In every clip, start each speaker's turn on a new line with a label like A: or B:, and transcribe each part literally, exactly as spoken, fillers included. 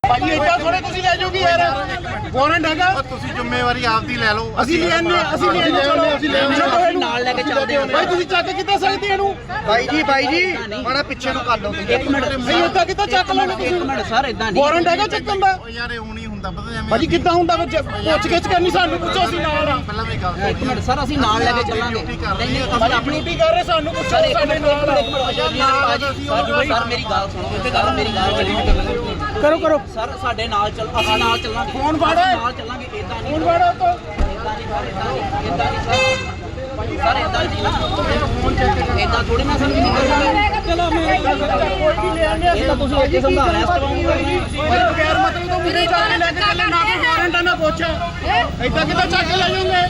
A: ਭਾਜੀ ਇੱਦਾਂ ਥੋੜੇ ਤੁਸੀਂ ਲੈ ਜਾਓਗੇ ਯਾਰ, ਵਾਰੰਟ ਹੈਗਾ।
B: ਤੁਸੀਂ ਜ਼ਿੰਮੇਵਾਰੀ ਆਪਦੀ ਲੈ ਲਓ।
A: ਅਸੀਂ ਲੈਣੇ ਅਸੀਂ ਲੈਣੇ ਚਲੋ ਅਸੀਂ ਲੈਣੇ
C: ਨਾਲ ਲੈ ਕੇ ਚੱਲਦੇ ਹਾਂ
A: ਭਾਈ। ਤੁਸੀਂ ਚੱਕ ਕਿੱਦਾਂ ਸਕਦੇ ਇਹਨੂੰ
B: ਬਾਈ ਜੀ ਬਾਈ ਜੀ ਮਾੜਾ ਪਿੱਛੇ ਨੂੰ ਕਰ ਲਓ।
C: ਇੱਕ ਮਿੰਟ
A: ਨਹੀਂ ਇੱਦਾਂ ਕਿੱਦਾਂ ਚੱਕ ਲੈਣੇ ਤੁਸੀਂ?
C: ਇੱਕ ਮਿੰਟ ਸਰ ਇਦਾਂ ਨਹੀਂ,
A: ਵਾਰੰਟ ਹੈਗਾ ਚੱਕਣ ਦਾ?
B: ਯਾਰ ਇਹ ਹੁਣ ਹੀ ਹੁੰਦਾ ਪਤਾ ਐਵੇਂ
A: ਭਾਜੀ ਕਿੱਦਾਂ ਹੁੰਦਾ ਵਿੱਚ ਪੁੱਛ ਗਿੱਛ ਕਰਨੀ, ਸਾਨੂੰ ਪੁੱਛੋ ਅਸੀਂ ਨਾਲ ਆ।
B: ਪਹਿਲਾਂ ਵੀ ਗੱਲ
C: ਇੱਕ ਮਿੰਟ ਸਰ ਅਸੀਂ ਨਾਲ ਲੈ ਕੇ ਚੱਲਾਂਗੇ। ਨਹੀਂ ਨਹੀਂ ਅਸੀਂ ਆਪਣੀ
A: ਡਿਊਟੀ ਕਰ ਰਹੇ, ਸਾਨੂੰ ਪੁੱਛੋ ਸਾਡੇ ਨਾਲ ਆ।
C: ਸਰ ਮੇਰੀ ਗੱਲ ਸੁਣੋ, ਇੱਥੇ ਗੱਲ ਮੇਰੀ ਗੱਲ
A: ਕਰੋ ਕਰੋ
C: ਸਰ ਸਾਡੇ ਨਾਲ ਚੱਲ, ਅਸੀਂ ਨਾਲ ਚੱਲਾਂਗੇ।
A: ਫੋਨ ਫੜੋ,
C: ਨਾਲ ਚੱਲਾਂਗੇ। ਇਦਾਂ ਨਹੀਂ
A: ਫੋਨ ਫੜੋ ਤੋਂ
C: ਇਦਾਂ ਨਹੀਂ ਇਦਾਂ ਨਹੀਂ ਸਰ ਇਦਾਂ ਨਹੀਂ ਇਦਾਂ ਥੋੜੀ ਨਾ ਸਰ ਚਲੋ ਇਹ ਤਾਂ ਤੁਸੀਂ ਅੱਗੇ ਸਮਝਾ ਰਹੇ ਹੋ।
A: ਬਗੈਰ ਮਤਲਬ ਤੋਂ ਮੁੰਡੇ ਚੱਕ ਕੇ ਲੈ ਕੇ ਚੱਲੇ, ਨਾ ਕੋਈ ਵਾਰੰਟ ਆ ਨਾ ਪੁੱਛ। ਏਦਾਂ ਕਿੱਦਾਂ ਚੱਕ ਕੇ ਲੈ ਜਾਓਗੇ?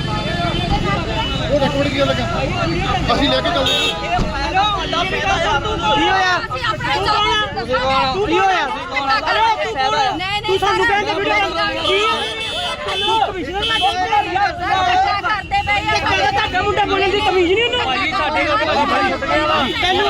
A: ਉਹ ਦੇਖੋ ਕੀ ਲੱਗਾ, ਅਸੀਂ ਲੈ ਕੇ ਚੱਲਦੇ ਹਾਂ।
C: ਕੀ ਹੋਇਆ ਕੀ ਹੋਇਆ
D: ਤੂੰ ਸਾਨੂੰ ਕਹਿੰਦੇ ਵੀਡੀਓ ਕੀ ਤੂੰ ਕਮਿਸ਼ਨਰ ਮੈਂ ਕਰਦੇ ਪਏ ਆ। ਤੁਹਾਡਾ ਮੁੰਡਾ ਬੋਲਣ ਦੀ ਕਮੀਜ਼ ਨਹੀਂ ਉਹਨੂੰ ਭਾਈ ਸਾਡੇ ਕੋਲ ਤੈਨੂੰ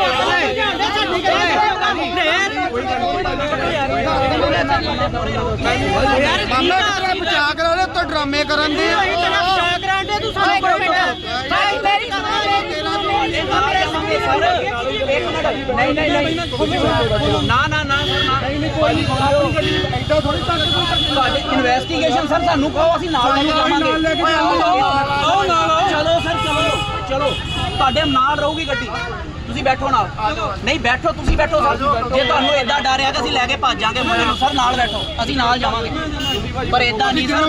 B: ਮਾਮਲਾ ਕਿਹੜਾ ਬਚਾ ਕਰਾ ਰਹੇ ਤੋਂ ਡਰਾਮੇ ਕਰਨ ਦੇ
D: ਬਚਾ ਕਰਾਂਦੇ ਤੂੰ ਸਾਨੂੰ ਭਾਈ ਮੇਰੀ
C: ਨਹੀਂ ਨਹੀਂ ਨਹੀਂ ਨਾ ਨਾ ਨਾ ਤੁਹਾਡੀ ਇਨਵੈਸਟੀਗੇਸ਼ਨ ਸਰ ਸਾਨੂੰ ਕਹੋ, ਅਸੀਂ ਨਾਲ ਲੈ ਕੇ ਜਾਵਾਂਗੇ। ਚਲੋ ਸਰ ਚਲੋ ਚਲੋ ਤੁਹਾਡੇ ਨਾਲ ਰਹੂਗੀ ਗੱਡੀ, ਤੁਸੀਂ ਬੈਠੋ ਨਾਲ। ਨਹੀਂ ਬੈਠੋ, ਤੁਸੀਂ ਬੈਠੋ ਸਰ। ਜੇ ਤੁਹਾਨੂੰ ਏਦਾਂ ਡਰ ਆ ਕਿ ਅਸੀਂ ਲੈ ਕੇ ਭੱਜ ਜਾਾਂਗੇ ਮੁੰਡੇ ਨੂੰ, ਸਰ ਨਾਲ ਬੈਠੋ, ਅਸੀਂ ਨਾਲ ਜਾਵਾਂਗੇ। ਪਰ ਏਦਾਂ ਨਹੀਂ ਸਰ,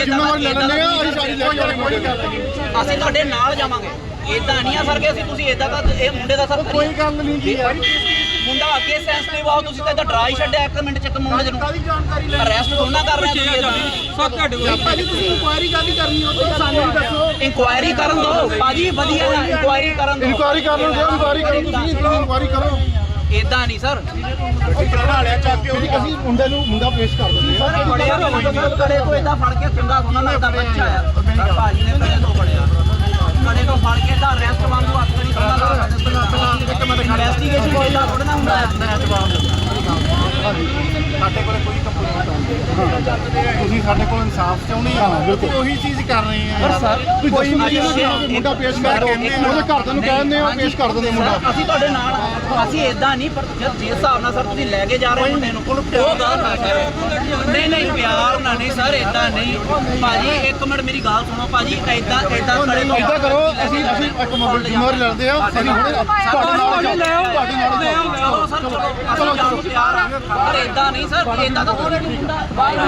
C: ਅਸੀਂ ਤੁਹਾਡੇ ਨਾਲ ਜਾਵਾਂਗੇ। ਏਦਾਂ ਨਹੀਂ ਆ ਸਰ ਕਿ ਅਸੀਂ ਤੁਸੀਂ ਏਦਾਂ ਦਾ ਇਹ ਮੁੰਡੇ ਦਾ ਸਰ
A: ਕੋਈ ਗੱਲ ਨਹੀਂ ਜੀ,
C: ਮੁੰਡਾ ਅੱਗੇ ਸੈਂਸਿਟਿਵ ਆ, ਤੁਸੀਂ ਤਾਂ ਡਰਾ ਹੀ ਛੱਡਿਆ ਇੱਕ ਮਿੰਟ ਚ ਇੱਕ ਮੁੰਡੇ ਨੂੰ। ਅਰੈਸਟ ਥੋੜਾ ਕਰ ਰਹੇ ਤੁਸੀਂ।
A: ਸਭ ਤੁਹਾਡੇ ਕੋਲ ਭਾਜੀ ਤੁਸੀਂ ਇਨਕੁਆਇਰੀ ਕਾਹਦੀ ਕਰਨੀ ਹੋ ਤੁਸੀਂ ਸਾਨੂੰ ਵੀ ਦੱਸੋ।
C: ਇਨਕੁਆਇਰੀ ਕਰਨ ਦਿਓ ਭਾਜੀ, ਵਧੀਆ ਨਾ ਇਨਕੁਆਇਰੀ ਕਰਨ ਦਿਓ।
A: ਇਨਕੁਆਇਰੀ ਕਰ ਲਓ, ਇਨਕੁਆਇਰੀ ਕਰੋ ਤੁਸੀਂ, ਇਨਕੁਆਇਰੀ ਕਰੋ।
C: ਏਦਾਂ ਨਹੀਂ ਸਰ,
A: ਲਿਆ ਚੱਕ ਕੇ ਅਸੀਂ ਮੁੰਡੇ ਨੂੰ ਮੁੰਡਾ ਪੇਸ਼ ਕਰ ਦਿੰਦੇ ਹਾਂ।
C: ਸਰ ਬੜਿਆ ਕੜੇ ਤੋਂ ਏਦਾਂ ਫੜ ਕੇ ਚੰਗਾ ਸੋਨਾ ਲੱਗਦਾ ਬੱਚਾ ਆ। ਸਰ ਭਾਜੀ ਨੇ ਕੜੇ ਤੋਂ ਫੜਿਆ, ਕੜੇ ਤੋਂ ਫੜ ਕੇ ਤਾਂ ਅਰੈਸਟ ਵਾਂਗੂ ਹੱਥ ਨਹੀਂ ਸੋਨਾ ਲੱਗਦਾ। ਇਨਵੈਸਟੀਗੇਸ਼ਨ ਕੋਈ ਦਾ ਥੋੜਾ ਨਾ ਹੁੰਦਾ ਹੈ।
B: ਸਾਡੇ ਕੋਲ ਕੋਈ ਕੰਪਲੇਂਟ ਨਹੀਂ, ਤੁਸੀਂ ਸਾਡੇ ਕੋਲ ਇਨਸਾਫ ਚਾਹੁੰਦੇ ਆ, ਬਿਲਕੁਲ ਉਹੀ ਚੀਜ਼ ਕਰ ਰਹੇ ਆ।
A: ਸਰ ਕੋਈ ਮੁੰਡਾ ਪੇਸ਼ ਕਰ ਦਿਓ, ਉਹਦੇ ਘਰਦਿਆਂ ਨੂੰ ਕਹਿੰਦੇ ਆ ਪੇਸ਼ ਕਰ ਦਿੰਦੇ ਮੁੰਡਾ।
C: ਅਸੀਂ ਤੁਹਾਡੇ ਨਾਲ ਆ। ਅਸੀਂ ਏਦਾਂ ਨਹੀਂ, ਪਰ ਜਿਸ ਹਿਸਾਬ ਨਾਲ ਸਰ ਤੁਸੀਂ ਲੈ ਕੇ ਜਾ ਰਹੇ ਮੁੰਡੇ ਨੂੰ ਉਹ ਗਲਤ ਆ ਸਰ। ਨਹੀਂ ਨਹੀਂ ਪਿਆਰ ਨਾਲ ਨਹੀਂ ਸਰ, ਏਦਾਂ ਨਹੀਂ ਭਾਜੀ। ਇੱਕ ਮਿੰਟ ਮੇਰੀ ਗੱਲ ਸੁਣੋ ਭਾਜੀ, ਏਦਾਂ ਏਦਾਂ ਕੜੇ ਤੋਂ
A: ਏਦਾਂ ਕਰੋ, ਅਸੀਂ ਅਸੀਂ ਇੱਕ ਜ਼ਿੰਮੇਵਾਰੀ ਲੜਦੇ ਆ। ਅਸੀਂ ਹੁਣੇ ਤੁਹਾਡੇ ਨਾਲ ਲੈ ਆਓ, ਤੁਹਾਡੇ ਨਾਲ ਲੈ ਆਓ।
C: ਚਲੋ ਸਰ ਚਲੋ, ਅਸੀਂ ਜਾਣ ਨੂੰ ਤਿਆਰ ਆ। ਪਰ ਏਦਾਂ ਨਹੀਂ ਸਰ, ਏਦਾਂ ਤਾਂ ਕੋਈ ਨਹੀਂ ਹੁੰਦਾ।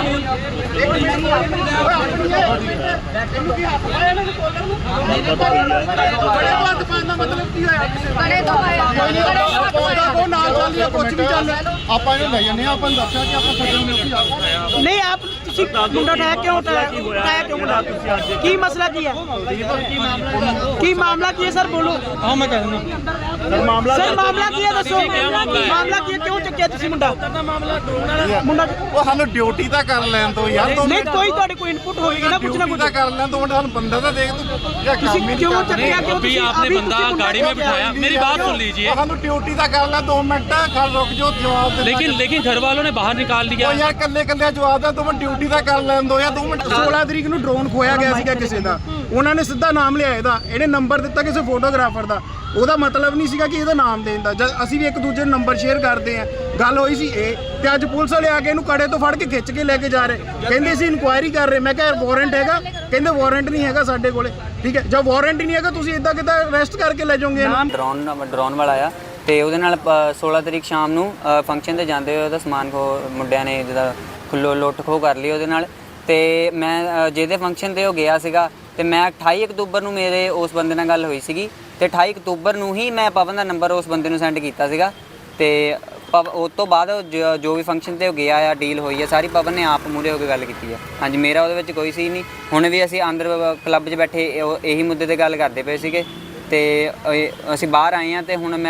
A: ਮਤਲਬ ਕੀ ਹੋਇਆ?
D: ਬੜੇ ਦੋ
A: ਉਹ ਨਾਲ ਚੱਲ ਰਿਹਾ, ਕੁਝ ਵੀ ਚੱਲ ਆਪਾਂ ਇਹਨੂੰ ਲੈ ਜਾਂਦੇ ਆ। ਆਪਾਂ ਨੂੰ ਦੱਸਿਆ ਕਿ ਆਪਾਂ ਛੱਡਣ ਨੂੰ ਉੱਥੇ
E: ਨਹੀਂ ਆਪ ਤੁਸੀਂ ਮੁੰਡਾ ਉਠਾਇਆ ਕਿਉਂ ਉਠਾਇਆ ਕਿਉਂ ਮੁੰਡਾ? ਕੀ ਮਸਲਾ ਕੀ ਹੈ? ਕੀ ਮਾਮਲਾ ਕੀ ਹੈ ਸਰ, ਬੋਲੋ।
A: ਹਾਂ ਮੈਂ ਕਹਿ ਦਿੰਦਾ ਮਾਮਲਾ
E: ਸਰ ਮਾਮਲਾ ਕੀ ਹੈ ਦੱਸੋ, ਮਾਮਲਾ ਕੀ ਹੈ, ਕਿਉਂ ਚੱਕਿਆ ਤੁਸੀਂ ਮੁੰਡਾ? ਮੁੰਡਾ
B: ਉਹ ਸਾਨੂੰ ਡਿਊਟੀ ਤਾਂ ਕਰ ਲੈਣ ਤੋਂ ਯਾਰ। ਦੋ
E: ਨਹੀਂ ਕੋਈ ਤੁਹਾਡੇ ਕੋਈ ਇਨਪੁਟ ਹੋਏਗੀ ਨਾ, ਕੁਛ ਨਾ
B: ਡਿਊਟੀ
E: ਕੁਛ।
B: ਤਾਂ ਕਰ ਲੈਣ ਤੋਂ ਸਾਨੂੰ ਬੰਦਾ ਤਾਂ ਦੇਖ ਤੂੰ ਜਾਂ ਕੰਮ
E: ਤੁਸੀਂ
B: ਹੀ
E: ਕਿਉਂ
B: ਨਹੀਂ
E: ਚੱਕਿਆ? ਕਿਉਂ
F: अभी आपने बंदा गाड़ी में बिठाया, मेरी बात सुन लीजिए।
B: ਸਾਨੂੰ ਡਿਊਟੀ ਤਾਂ ਕਰ ਲੈ, ਦੋ ਮਿੰਟ ਖੜ ਰੁਕ ਜੋ ਜਵਾਬ ਦੇ।
F: लेकिन लेकिन घर वालों ने बाहर निकाल दिया।
B: ਉਹ ਯਾਰ ਕੱਲੇ ਕੱਲੇ ਜਵਾਬ ਦਾ, ਦੋ ਮਿੰਟ ਡਿਊਟੀ ਤਾਂ ਕਰ ਲੈਣ ਦੋ ਯਾਰ, ਦੋ ਮਿੰਟ।
A: ਸੋਲਾਂ ਤਰੀਕ ਨੂੰ ਡਰੋਨ ਖੋਇਆ ਗਿਆ ਸੀਗਾ ਕਿਸੇ ਦਾ, ਉਹਨਾਂ ਨੇ ਸਿੱਧਾ ਨਾਮ ਲਿਆ ਇਹਦਾ, ਇਹਨੇ ਨੰਬਰ ਦਿੱਤਾ ਕਿਸੇ ਫੋਟੋਗ੍ਰਾਫਰ ਦਾ। ਉਹਦਾ ਮਤਲਬ ਨਹੀਂ ਸੀਗਾ ਕਿ ਇਹਦਾ ਨਾਮ ਦੇਣ ਦਾ। ਜਦ ਅਸੀਂ ਵੀ ਇੱਕ ਦੂਜੇ ਨੂੰ ਨੰਬਰ ਸ਼ੇਅਰ ਕਰਦੇ ਆ, ਗੱਲ ਹੋਈ ਸੀ ਇਹ। ਤੇ ਅੱਜ ਪੁਲਿਸ ਵਾਲੇ ਆ ਕੇ ਇਹਨੂੰ ਕੜੇ ਤੋਂ ਫੜ ਕੇ ਖਿੱਚ ਕੇ ਲੈ ਕੇ ਜਾ ਰਹੇ, ਕਹਿੰਦੇ ਸੀ ਇਨਕੁਆਇਰੀ ਕਰ ਰਹੇ। ਮੈਂ ਕਿਹਾ ਯਾਰ ਵਾਰੰਟ ਹੈਗਾ? ਕਹਿੰਦੇ ਵਾਰੰਟ ਨਹੀਂ ਹੈਗਾ ਸਾਡੇ ਕੋਲੇ। ਠੀਕ ਹੈ, ਜਦ ਵਾਰੰਟ ਹੀ ਨਹੀਂ ਹੈਗਾ ਤੁਸੀਂ ਇਦਾਂ ਕਿੱਦਾਂ ਅਰੈਸਟ ਕਰਕੇ ਲੈ ਜਾਓਗੇ ਇਹਨੂੰ?
G: ਡਰੋਨ ਡਰੋਨ ਵਾਲਾ ਆ ਤੇ ਉਹਦੇ ਨਾਲ ਸੋਲਾਂ ਤਰੀਕ ਸ਼ਾਮ ਨੂੰ ਫੰਕਸ਼ਨ ਤੇ ਜਾਂਦੇ ਹੋਏ ਉਹਦਾ ਸਮਾਨ ਖੋ ਮੁੰਡਿਆਂ ਨੇ ਜਿਹਦਾ ਖੁੱਲੋ ਲੁੱਟ ਖੋਹ ਕਰ ਲਈ ਉਹਦੇ ਨਾਲ। ਤੇ ਮੈਂ ਜਿਹਦੇ ਫੰਕਸ਼ਨ ਤੇ ਉਹ ਗਿਆ ਸੀਗਾ ਤੇ ਮੈਂ ਅਠਾਈ ਅਕਤੂਬਰ ਨੂੰ ਮੇਰੇ ਉਸ ਬੰਦੇ ਨਾਲ ਗੱਲ ਹੋਈ ਸੀਗੀ ਤੇ ਅਠਾਈ ਅਕਤੂਬਰ ਨੂੰ ਹੀ ਮੈਂ ਪਵਨ ਦਾ ਨੰਬਰ ਉਸ ਬੰਦੇ ਨੂੰ ਸੈਂਡ ਕੀਤਾ ਸੀਗਾ। ਤੇ ਪਵ ਉਸ ਤੋਂ ਬਾਅਦ ਜੋ ਵੀ ਫੰਕਸ਼ਨ ਤੇ ਉਹ ਗਿਆ ਆ, ਡੀਲ ਹੋਈ ਆ ਸਾਰੀ, ਪਵਨ ਨੇ ਆਪ ਮੂਹਰੇ ਹੋ ਕੇ ਗੱਲ ਕੀਤੀ ਆ। ਹਾਂਜੀ ਮੇਰਾ ਉਹਦੇ ਵਿੱਚ ਕੋਈ ਸੀ ਨਹੀਂ। ਹੁਣ ਵੀ ਅਸੀਂ ਅੰਦਰ ਕਲੱਬ 'ਚ ਬੈਠੇ ਇਹੀ ਮੁੱਦੇ ਤੇ ਗੱਲ ਕਰਦੇ ਪਏ ਸੀਗੇ ਤੇ ਅਸੀਂ ਬਾਹਰ ਆਏ ਆ ਤੇ ਹੁਣ ਮੈਂ